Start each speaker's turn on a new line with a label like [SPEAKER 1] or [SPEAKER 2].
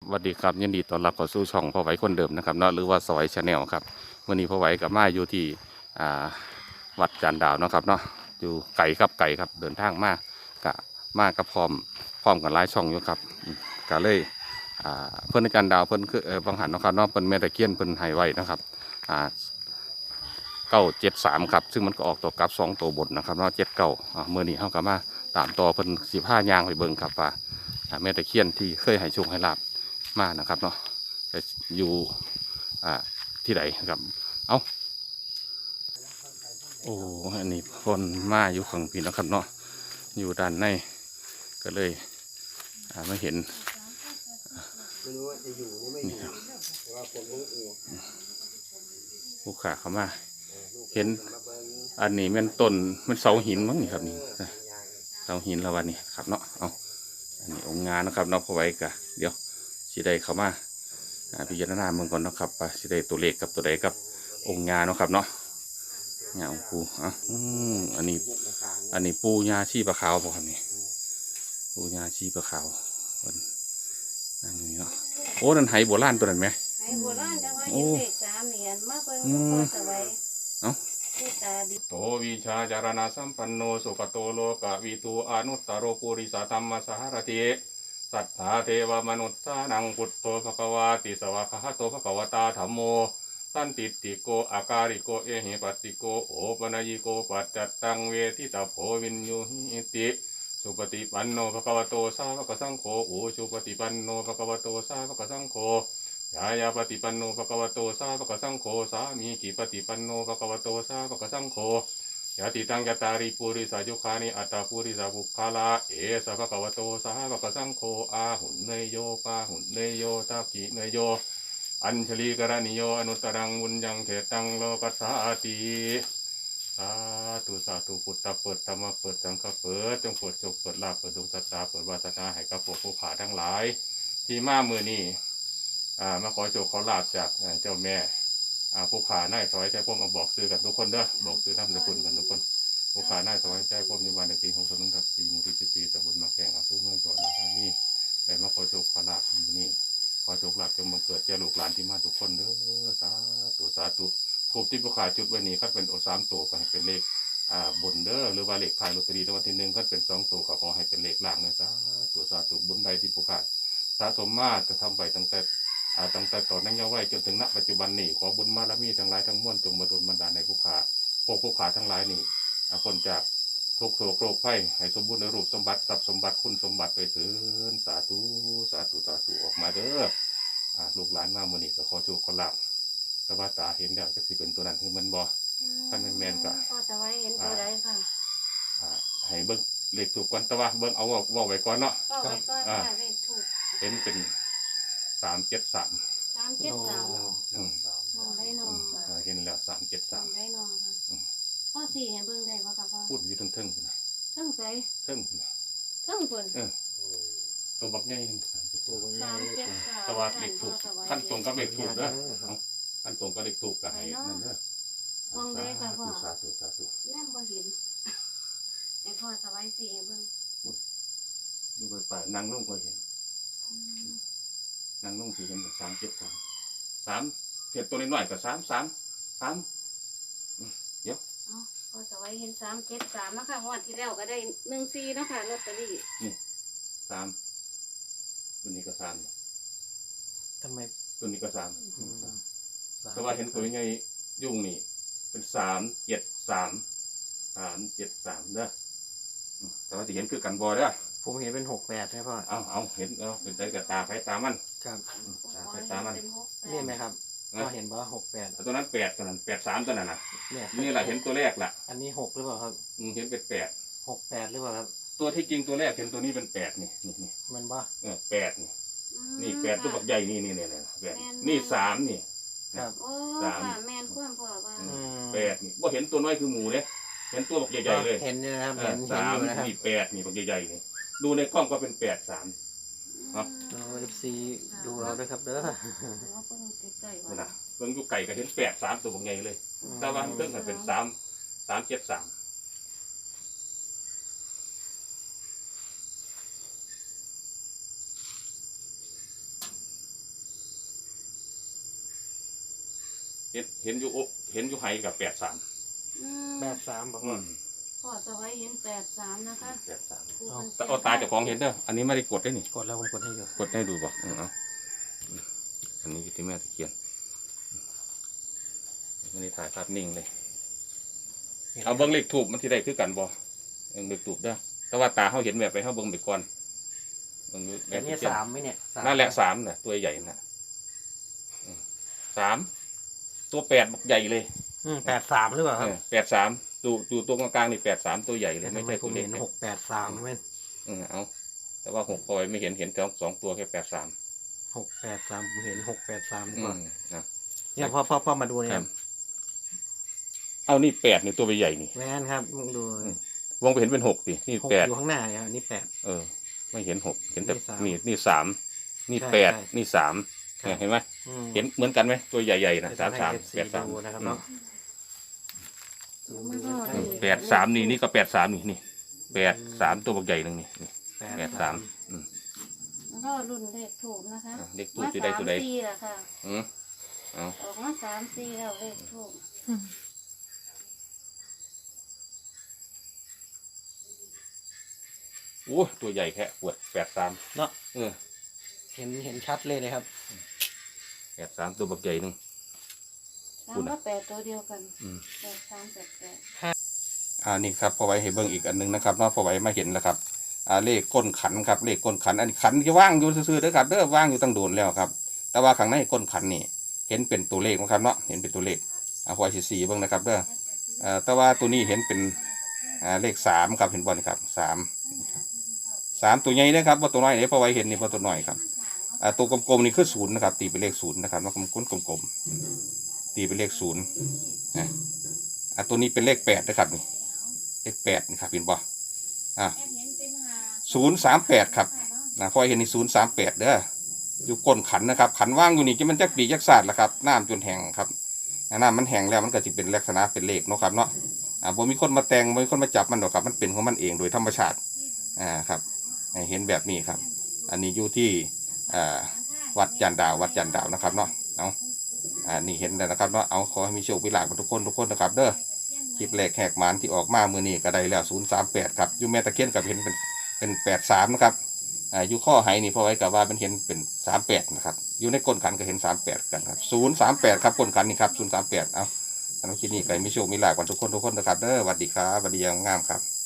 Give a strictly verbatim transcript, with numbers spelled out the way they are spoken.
[SPEAKER 1] สวัสดีครับยินดีต้อนรับเข้าสู่ช่องพ่อไหวคนเดิมนะครับเนาะหรือว่าสอยชาแนลครับวันนี้พ่อไหวกับมาอยู่ที่อ่าวัดจันดาวเนาะครับเนาะอยู่ไก่ครับไก่ครับเดินทางมากกะมากกับพร้อมพร้อมกันหลายช่องอยู่ครับอืมก็เลยอ่าเพื่อนอาจารย์ดาวเพื่อนคือเออบางหันเนาะครับเนาะเพื่อนแม่ตะเคียนเพื่อนไห้ไว้นะครับอ่าเก้าเจ็ดสามครับซึ่งมันก็ออกตัวกลับสองตัวบนนะครับเนาะเจ็ดเก้าอ่าเมื่อนี้เขาก็มาตามต่อเพิ่นสิบห้ายางไปเบิ่งครับว่าอ่าแม่ตะเคียนที่เคยให้โชคให้ลาบมานะครับเนาะจะอยู่อ่าที่ไหนครับเอาโอ้อันนี้คนมาอยู่ข้างพี่นะครับเนาะอยู่ด้านในก็เลยอ่าไม่เห็น
[SPEAKER 2] ไม่รู้ว่าจะอยู่หรือไม่อยู่แต่ว่าผมรู้อยู่
[SPEAKER 1] ลูกค้าเข้ามาเห็น
[SPEAKER 2] ลูกมาเบิ่ง
[SPEAKER 1] อันนี้มันต้นมันเสาหินมั้งนี่ครับนี่
[SPEAKER 2] เออเป็นยาง
[SPEAKER 1] เสาหินแล้ววันนี้ครับเนาะเอาอันนี้องค์งานนะครับเนาะพอไว้กะเดี๋ยวสิได้เข้ามาอ่าพิจารณาเมืองก่อนเนาะครับว่าสิได้ตัวเลขกับตัวใดกับองค์งานเนาะครับเนาะงานองค์ปูอ่ะอืมอันนี้
[SPEAKER 2] พวกต่างๆ
[SPEAKER 1] อันนี้ปูญาชีปะขาวบ่ครับนี่ปูญาชีปะขาวเพิ่นนั่งอยู่นี่เนาะโอ้นั่นไหโบราณตัวนั้นไหม
[SPEAKER 3] ไอ้โบราณจังว่า
[SPEAKER 1] โอ้
[SPEAKER 3] เห็นเลขสามเหรียญมาเบิ่ง
[SPEAKER 1] อืม
[SPEAKER 3] พอสวัย
[SPEAKER 1] เอ้า
[SPEAKER 3] ผู้ตาดี
[SPEAKER 1] โตวิชาจารณะสัมปันโนสุขโตโลกวิตูอนุตตโรปุริสธรรมสหรติสัทธาเทวมนุษย์สานังพุทโธภควาติสวะคหะโตภควตาธัมโมสันติติโกอาการิโกเอหิปัสติโกโอปนัยิโกปัจจัตตังเวทิตาโพวินยูหิติสุปฏิปันโนภควโตสาวกสังโฆอุชุปฏิปันโนภควโตสาวกสังโฆยายาปฏิปันโนภควโตสาวกสังโฆสามีกิปฏิปันโนภควโตสาวกสังโฆยะติตังยะตาริปุริสายุคานิอัตตาปุริสาบุคคาลาเอสะภควโตสาวกสังโฆอาหุนเนยโยปาหุนเนยโยตากิเนยโยอัญชลีกรณิโยอนุตตรังวุญยังเถตังโลกัสสาติสาธุสาธุพุทธเปิดธรรมเปิดสังฆเปิดจงเปิดโชคเปิดลาภเปิดดวงตาเปิดวาสนาให้กับพวกผู้ขาทั้งหลายที่มามือนี้อ่ามาขอโชคขอลาภจากเจ้าแม่อ่าผู้ขาหน้าถอยใจพวกมาบอกซื้อกันทุกคนเด้อบอกซื้อน้ำสกุลกันทุกคนผู้ขาหน้าถอยใจพวกอยู่บ้านในปีหกสองทับสี่มูลนิธิตำบลมาแข่งอำเภอเมืองจังหวัดอุดรธานีได้มาขอโชคขอลาภมื้อนี้ ขอโชคลาภจงบังเกิดแก่ลูกหลานที่มาทุกคนเด้อสาธุสาธุถูกที่ผู้ขาจุดไว้นี้คัดเป็นโอสามตัวก็ให้เป็นเลขอ่าบนเด้อหรือว่าเลขท้ายลอตเตอรี่รางวัลที่หนึ่งคัดเป็นสองตัวก็ขอให้เป็นเลขล่างนะสาธุสาธุบุญใดที่ผู้ขาสะสมมาจะทำไปตั้งแต่อ่าตั้งแต่ตอนนั้นยังไว้จนถึงณปัจจุบันนี้ขอบุญบารมีทั้งหลายทั้งมวลจงมาดลบันดาลในผู้ขาพวกผู้ขาทั้งหลายนี่อ่าพ้นจากทุกโศกโรคภัยให้สมบูรณ์ในรูปสมบัติทรัพย์สมบัติคุณสมบัติไปถึงสาธุสาธุสาธุออกมาเด้อ อ่าลูกหลานมาโมอนี่ก็ขอโชคขอลาภแต่ว่าตาเห็นแล้วก็สิเป็นตัวนั้นคือมันบ่ ท่านแม่นๆก็
[SPEAKER 3] พอสวัยเห็นตัวใดค่ะ
[SPEAKER 1] อ่าให้เบิ่งเลขถูกก่อนแต่ว่าเบิ่งเอาเว้าเว้าไว้ก่อนเนาะ
[SPEAKER 3] ก็ไว้ก็
[SPEAKER 1] อ่า
[SPEAKER 3] ค่ะเลขถูก
[SPEAKER 1] เห็นเป็นสามเจ็ดสาม
[SPEAKER 3] สามเจ็ดสาม
[SPEAKER 1] อืม
[SPEAKER 3] มองได้นองค่ะ
[SPEAKER 1] เออเห็นแล้วสามเจ็ด
[SPEAKER 3] ม
[SPEAKER 1] สา
[SPEAKER 3] อ
[SPEAKER 1] ม
[SPEAKER 3] งได้นองค่ะ
[SPEAKER 1] อืม
[SPEAKER 3] พ่อสี่เห็นเบิ่งได้บ่ค่ะพ่อ
[SPEAKER 1] พูดอยู่ทั้งเทิงพุ่นนะ
[SPEAKER 3] เทิงใส
[SPEAKER 1] เทิงพุ่นนะ
[SPEAKER 3] เทิงเพิ่น
[SPEAKER 1] เออตัวบักใหญ่สามเจ็ด
[SPEAKER 2] ตัวบาง
[SPEAKER 3] สามเจ็ดสาม
[SPEAKER 1] แต่ว่าเลขถูก
[SPEAKER 3] พ่อสวัย
[SPEAKER 1] ขั้นตรงกับเลขถูกเด้อเอาขั้นตรงกับเลขถูกก็ให้นั่นเด้อ
[SPEAKER 3] มองได้ค่ะพ่อ
[SPEAKER 1] สาธุสาธุ
[SPEAKER 3] แน่บ่เห็นไอ้พ่อสวัยสี่ให้เบิ่ง
[SPEAKER 1] ดูไปไปนั่งลงก็เห็น
[SPEAKER 3] อืม
[SPEAKER 1] นางนุ่งสีเห็นสามเจ็ดสามสามเทียบตัวน้อยๆกับสามสามสาม
[SPEAKER 3] เอ้าพ่อสวัยเห็นสามเจ็ดสามนะคะงวดที่แล้วก็ได้หนึ่งสี่เนาะค่ะลอตเตอรี่
[SPEAKER 1] สามตัวนี้ก็สามนี่
[SPEAKER 2] ทำไม
[SPEAKER 1] ตัวนี้ก็สาม
[SPEAKER 2] อืม
[SPEAKER 1] แต่ว่าเห็นตัวยังไงยุ่งนี่เป็นสามเจ็ดสามสามเจ็ดสามเด้ออืมแต่ว่าจะเห็นคือกันบอยเด้อ
[SPEAKER 2] ผมเห็นเป็นหกแปดใช่ป่ะ
[SPEAKER 1] เอาเอาเห็นเอาเป็นใจกับตาไฟตามัน
[SPEAKER 2] ครับ
[SPEAKER 1] อืมตาไฟตามัน
[SPEAKER 2] นี่ไหมครับ
[SPEAKER 1] นะ
[SPEAKER 2] ก็เห็นว่าหกแปด
[SPEAKER 1] เอาตัวนั้นแปดตัวนั้นแปดสามตัวนั้นน่ะ
[SPEAKER 2] เนี่ย
[SPEAKER 1] นี่แหละเห็นตัวแรกล่ะ
[SPEAKER 2] อันนี้หกหรือเปล่าครับ
[SPEAKER 1] อืมเห็นเป็นแปด
[SPEAKER 2] หกแปดหรือเปล่าครับ
[SPEAKER 1] ตัวที่จริงตัวแรกเห็นตัวนี้เป็นแปดนี่นี่นี่
[SPEAKER 2] มันว่า
[SPEAKER 1] เออแปดนี่ นี่แปดตัวบักใหญ่นี่นี่นี่นี่แปดนี่สามนี่
[SPEAKER 2] ครับ
[SPEAKER 3] โอ้
[SPEAKER 1] สาม
[SPEAKER 3] ค่ะแม่นความพ่อว่า
[SPEAKER 1] อื
[SPEAKER 2] อืม
[SPEAKER 1] แปดนี่ว่าเห็นตัวน้อยคือหมูเนี่ยเห็นตัวบักใหญ่ๆเลย
[SPEAKER 2] เห็นเนี่ยนะครับ
[SPEAKER 1] เอ
[SPEAKER 2] เห็
[SPEAKER 1] อน
[SPEAKER 2] เห็น
[SPEAKER 1] สา
[SPEAKER 2] อ
[SPEAKER 1] ม
[SPEAKER 2] ยู่นะครับ
[SPEAKER 1] นี่แปดนี่บักใหญ่ๆนี่ดูในกล้องก็เป็นแปดสาม ครับ
[SPEAKER 2] เราเอฟซีดูเราด้วยครับเด้อ
[SPEAKER 3] เอาเพิ่งใกล้ๆ
[SPEAKER 1] นี่
[SPEAKER 3] ว่า
[SPEAKER 1] นะเบิ่งอยู่ไก่ก็เห็นแปดสามตัวบักใหญ่เลย แต่ว่าเพิ่งมันเป็นสามสามเจ็ดสามห็นเห็นอยู่เห็นอยู่ไหกับแปดสาม
[SPEAKER 3] อืม
[SPEAKER 2] แปดสามบอก
[SPEAKER 1] อื
[SPEAKER 2] ว่า
[SPEAKER 1] ม
[SPEAKER 3] พ่อสวัยเห็นแปดสามนะคะ
[SPEAKER 1] แปดสาม
[SPEAKER 3] ครูพิ่น
[SPEAKER 1] แต่เอาตาเจ้าของเห็นเด้ออันนี้ไม่ได้กดได้นี่
[SPEAKER 2] กดแล้วผมกดให้อยู่
[SPEAKER 1] กดให้ดูบอกอืมเอาอันนี้ที่แม่ตะเคียนอันนี้ถ่ายภาพนิ่งเลยเอาเบิ้งเลขถูกมันที่ได้คือกันบ่เบิ้งเลขถูกเด้อแต่ว่าตาเขาเห็นแบบไปเขาเบิ้งไปก่อนเบิ้งแบ
[SPEAKER 2] อั
[SPEAKER 1] บ
[SPEAKER 2] นนี้
[SPEAKER 1] ตะเคียน
[SPEAKER 2] สามไหมเนี่ยสาม
[SPEAKER 1] นั่นแหละสามน่ะตัวใหญ่น่ะอืมสามตัวแปดบักใหญ่เลย
[SPEAKER 2] อืมแปดสามหรือเปล่าครับ
[SPEAKER 1] เออแปดสามดูดูตัวกลางๆนี่แปดสามตัวใหญ่เลย
[SPEAKER 2] แต่
[SPEAKER 1] ไม่
[SPEAKER 2] ทำไม
[SPEAKER 1] ใช่
[SPEAKER 2] ผ
[SPEAKER 1] ตัว
[SPEAKER 2] ม
[SPEAKER 1] เล็ก
[SPEAKER 2] เห็น
[SPEAKER 1] นะ
[SPEAKER 2] หกแปดสามเว้น
[SPEAKER 1] เออเอาแต่ว่าหกพอยไม่เห็นเห็นสองสองตัวแค่แปดสาม
[SPEAKER 2] หกแปดสามผมเห็นหกแปดสาม
[SPEAKER 1] อื
[SPEAKER 2] ก่อน
[SPEAKER 1] มนะ
[SPEAKER 2] เนี่ยพ่อพ่อพ่อมาดูเนี่
[SPEAKER 1] ค
[SPEAKER 2] ย
[SPEAKER 1] รับเอานี่แปดนี่ตัวใหญ่นี่
[SPEAKER 2] แม่นครับดู
[SPEAKER 1] อืม วงไปเห็นเป็นหกดินี่
[SPEAKER 2] หก
[SPEAKER 1] แปด
[SPEAKER 2] อยู่ข้างหน้าเนี่ยอันนี้แปด
[SPEAKER 1] เออ ไม่เห็นหกเห็นแต่
[SPEAKER 2] นี่สาม
[SPEAKER 1] นี่นี่สามนี่
[SPEAKER 2] ใช่
[SPEAKER 1] แปด
[SPEAKER 2] ใช่
[SPEAKER 1] นี่สาม
[SPEAKER 2] ครับ
[SPEAKER 1] เนี่ยเห็นไหม
[SPEAKER 2] อืม
[SPEAKER 1] เห็นเหมือนกันไหมตัวใหญ่ๆนะ
[SPEAKER 2] เดี๋ยว
[SPEAKER 1] สาม
[SPEAKER 2] จะ
[SPEAKER 1] สาม
[SPEAKER 2] ให้ เอฟซี
[SPEAKER 1] แปดสาม
[SPEAKER 2] ดูนะครับเนาะ
[SPEAKER 3] มันก็
[SPEAKER 1] อื
[SPEAKER 3] ดี
[SPEAKER 1] มแปดสามนี่นี่ก็แปดสามนี่นี่แปดสามตัวบักใหญ่หนึ่งนี่นี่แปดสามอืม
[SPEAKER 3] มันก็รุ่นเลขถูกนะคะ
[SPEAKER 1] อ่ะเลขถูกจะได้ตัวใด
[SPEAKER 3] มาสามสี่ละค่ะ
[SPEAKER 1] อืมเอา
[SPEAKER 3] ออกมาสามสี่แล้วเลขถูก
[SPEAKER 1] โอ้ตัวใหญ่แค่ปวดแปดสาม
[SPEAKER 2] เนาะ
[SPEAKER 1] เออ
[SPEAKER 2] เห็นเห็นชัดเลยนะครับ
[SPEAKER 1] แปดสามตัวบักใหญ่หนึ่ง
[SPEAKER 3] สามก็แปดตัวเดียวกัน
[SPEAKER 1] อืม
[SPEAKER 3] แปดสามแปดแปด
[SPEAKER 1] อ่านี่ครับพอไว้ให้เบิ่งอีกอันหนึงนะครับเนาะพอไว้มาเห็นแล้วครับอ่าเลขก้นขันครับเลขก้นขันอันนี้ขันที่ว่างอยู่ซื่อๆเด้อครับเด้อว่างอยู่ตั้งโดนแล้วครับ แต่ว่าข้างในก้นขันนี่เห็นเป็นตัวเลขนะครับเนาะเห็นเป็นตัวเลขอ่าพอไว้สิสี่เบิ่งนะครับเด้ออ่าแต่ว่าตัวนี้เห็นเป็นอ่าเลขสามครับเห็นบ่นี่ครับสามสามตัวใหญ่นะครับว่าตัวน้อยเนี่ยพอไว้เห็นนี่ว่าตัวน้อยครับอ่าตัวกลมๆนี่คือศูนย์นะครับตีเป็นเลขศูนย์นะครับว่ากลมๆกลมๆตีเป็นเลขศูนย์นะอ่าตัวนี้เป็นเลขแปดนะครับนี่เลขแปดนะครับเห็นบ่อ่าศูนย์สามแปดครับนะพอเห็นนี่ศูนย์สามแปดเด้ออยู่ก้นขันนะครับขันว่างอยู่นี่จะมันจักปีจักศาสตร์ละครับน้ำจนแห้งครับน้ำมันแห้งแล้วมันก็จะเป็นลักษณะเป็นเลขเนาะครับเนาะอ่าบ่มีคนมาแต่งบ่มีคนมาจับมันหรอกครับมันเป็นของมันเองโดยธรรมชาติอ่าครับให้เห็นแบบนี้ครับ อันนี้อยู่ที่อ่าวัดจันดาววัดจันดาวนะครับเนาะเอาอ่านี่เห็นแล้วนะครับเนาะเอาขอให้มีโชคมีลาภกับทุกคนทุกคนนะครับเด้อคลิปแรกแหกหมานที่ออกมามือนี้ก็ได้แล้วศูนย์สามแปดครับอยู่แม่ตะเคียนกับเห็นเป็นเป็นแปดสามนะครับอ่าอยู่ข้อไหนี่พอไว้กับว่ามันเห็นเป็นสามแปดนะครับอยู่ในก้นขันก็เห็นสามแปดกันครับศูนย์สามแปดครับก้นขันนี่ครับศูนย์สามแปดเอาสำหรับคลิปนี้ก็ให้มีโชคมีลาภกับทุกคนทุกคนนะครับเด้อสวัสดีครับสวัสดีอยังงามครับ